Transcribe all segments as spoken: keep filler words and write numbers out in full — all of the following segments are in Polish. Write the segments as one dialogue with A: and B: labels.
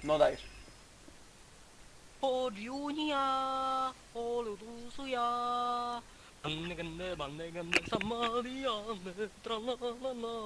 A: No dajesz.
B: Podjunia, oludusuja. Ganne, ganne, banne, ganne, samariane, tralalala.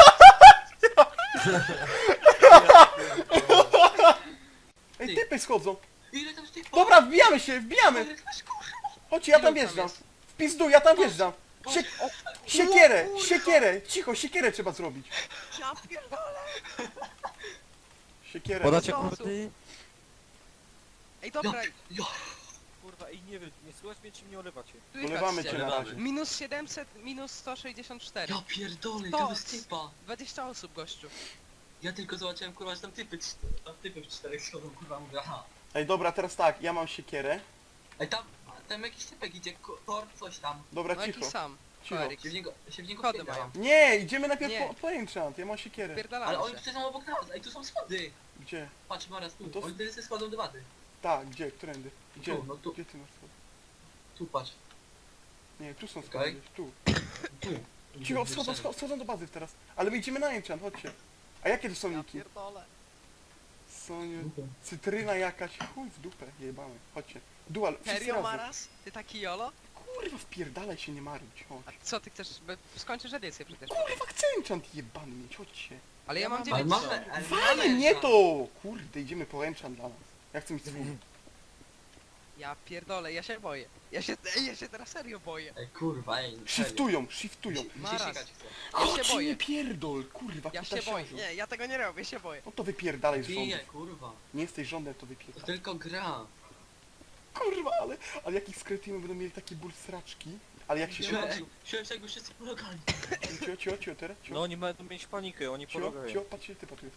A: Ej, typy schodzą.
C: Ile tam z tych
A: Dobra, wbijamy się, wbijamy.
C: Ale masz kurwa.
A: Chodźcie, ja tam
C: Ilu tam
A: wjeżdżam.
C: jest?
A: W pizdu, ja tam wjeżdżam. Sie
C: O,
A: siekierę,
C: kurwa.
A: siekierę. Cicho, siekierę trzeba zrobić.
B: Ja pierdolę.
A: Siekierę.
D: Podacie
B: Osób.
D: kordy?
B: Ej,
C: Ja,
B: dobra,
C: ja.
D: Kurwa, ej, nie wiem, nie słychać mnie czy mnie olewacie?
A: Ulewamy cię na razie.
B: Minus siedemset, minus sto sześćdziesiąt cztery.
C: Ja pierdolę,
B: To-
C: to jest typa.
B: dwadzieścia osób, gościu.
C: Ja tylko zobaczyłem kurwa, że tam typy, cz- tam typy w czterech schodzą, kurwa, mówię, aha.
A: Ej, dobra, teraz tak, ja mam siekierę.
C: Ej, tam, a tam jakiś typek idzie, ko- tor, coś tam.
A: Dobra,
B: No jaki
A: cicho.
B: sam.
A: Cicho.
B: Cholerik.
C: Się w niego, się w niego
B: Kody
C: wpierdalam.
A: Nie, idziemy najpierw
B: Nie.
A: po, po enchant, ja mam siekierę.
B: Pierdalamy
C: Ale oni
B: się.
C: tutaj są obok nas, ej, tu są schody.
A: Gdzie?
C: Patrz, Maras, tu,
A: No to-
C: oni tutaj się schodzą do wady.
A: Tak, gdzie? Którędy? Gdzie?
C: Tu, no tu.
A: Gdzie ty masz schody?
C: Tu, patrz.
A: Nie, tu są
C: Okej.
A: schody, gdzieś, tu.
C: Tu.
A: Cicho, schodzą, schodzą, schodzą do bazy teraz. Ale my idziemy na enchant, chodźcie. A jakie to są
B: Ja
A: niki?
B: pierdolę.
A: Są cytryna jakaś, chuj w dupę, jebamy. Chodźcie. Dual, wszyscy
B: Serio,
A: razem.
B: Maras? Ty taki jolo?
A: Kurwa, wpierdalaj się, nie marudź, chodź.
B: A co ty chcesz? Bo skończysz edycję przecież.
A: Kurwa, chcę enchant jebany mieć, chodźcie.
B: Ale ja mam
C: Ale
B: dziewięćset.
C: mamy, ale
A: Wale,
C: mamy
A: nie
C: szans.
A: to! Kurde, idziemy po enchant dla nas. Ja chcę mieć swój.
B: Ja pierdolę, ja się boję. Ja się, ej, ja się teraz serio boję.
C: Ej, kurwa, ej, serio.
A: Shiftują, shiftują.
C: Mi się
B: Maras.
C: sikać chce.
B: Ja się
A: Chodź,
B: boję.
A: nie pierdol, kurwa,
B: Ja się
A: kutasiarzu.
B: boję. Nie, ja tego nie robię, się boję.
A: No to wypierdalaj z
C: Bije,
A: rządów.
C: kurwa.
A: Nie jesteś rządem, to
C: To
A: wypierdalaj.
C: tylko gra.
A: Kurwa, ale, ale jak ich skretimy będą mieli takie ból sraczki. Ale jak się się...
C: Ej, siłem się jakby wszyscy pologali.
A: Cio, cio, cio, teraz, cio.
D: No oni będą mieć panikę, oni
A: Cio,
D: pomagają.
A: cio, patrzcie, typa tu jest.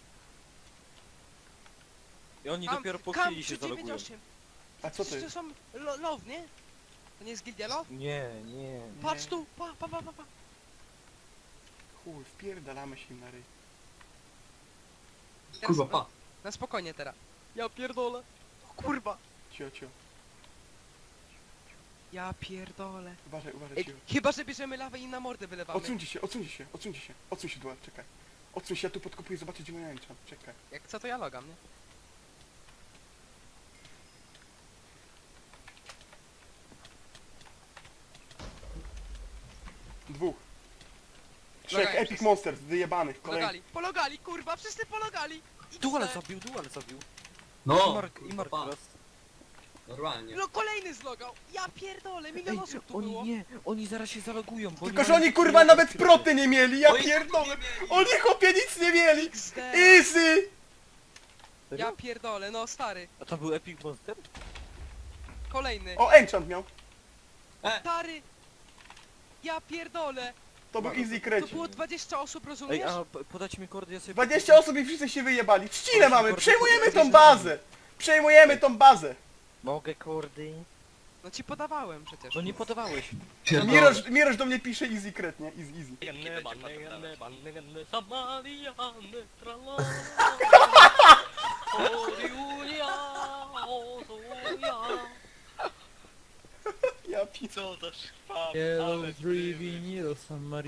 D: I oni
B: Kam-
D: dopiero po
B: kam
D: chwili się zalogują.
B: dziewięćdziesiąt osiem.
A: A co to
B: To
A: jest?
B: są lo love, nie? To nie jest gildia love?
D: Nie, nie.
B: Patrz tu, pa, pa, pa, pa, pa.
A: Chuj, wpierdalamy się im na ryj.
B: Teraz
C: Kurwa,
B: na-
C: pa.
B: Na spokojnie teraz. Ja pierdolę. O kurwa.
A: Cio, cio.
B: Ja pierdolę.
A: Uważaj, uważaj,
B: Ej,
A: cio.
B: chyba, że bierzemy lawę i na mordę wylewamy.
A: Odsuńcie się, odsuńcie się, odsuńcie się. Odsuń się, dual, czekaj. Odsuń się, ja tu podkopuję, zobaczę gdzie moja enchant. Czekaj.
B: Jak co to ja logam, nie?
A: Dwóch. Trzech
B: Logają
A: Epic
B: wszyscy.
A: Monsters, wyjebanych, kolejnych.
B: Pologali, pologali, kurwa, wszyscy pologali.
D: Duale
B: X D.
D: zabił, duale zabił.
C: No,
D: I Mark, i Mark
C: pa.
D: teraz.
C: Normalnie.
B: No kolejny zlogał. Ja pierdolę, milion
D: Ej,
B: osób tu
D: oni
B: było.
D: nie, oni zaraz się zalogują, bo
A: Tylko, że
D: mają
A: oni
D: takie
A: kurwa
D: jeden
A: nawet
D: skrypty.
A: proty nie mieli, ja
C: Oni
A: pierdolę.
C: nie mieli.
A: Oni chłopie nic nie mieli.
B: X D.
A: Easy!
D: Serio?
B: Ja pierdolę, no stary.
D: A to był Epic Monster?
B: Kolejny.
A: O, enchant miał.
B: Stary. Ja pierdolę.
A: To był easy
B: To
A: kreci.
B: było dwadzieścia osób, rozumiesz?
D: Ej, a p- podajcie mi kordy, ja sobie...
A: dwadzieścia osób i wszyscy się wyjebali. Trzcinę mamy,
D: kordy-
A: przejmujemy tą
D: kordy-
A: bazę. Przejmujemy tą bazę.
D: Mogę kordy?
B: No ci podawałem przecież.
D: No nie podawałeś.
A: Miroż, Miroż do mnie pisze easy kret, nie? Easy, easy.
B: Ganne, banne, ganne, banne, ganne, samariane, trala. Oriunia, ozunia.
A: Ja pi...
B: Co to szwa,
D: Yellow Driven, Yellow San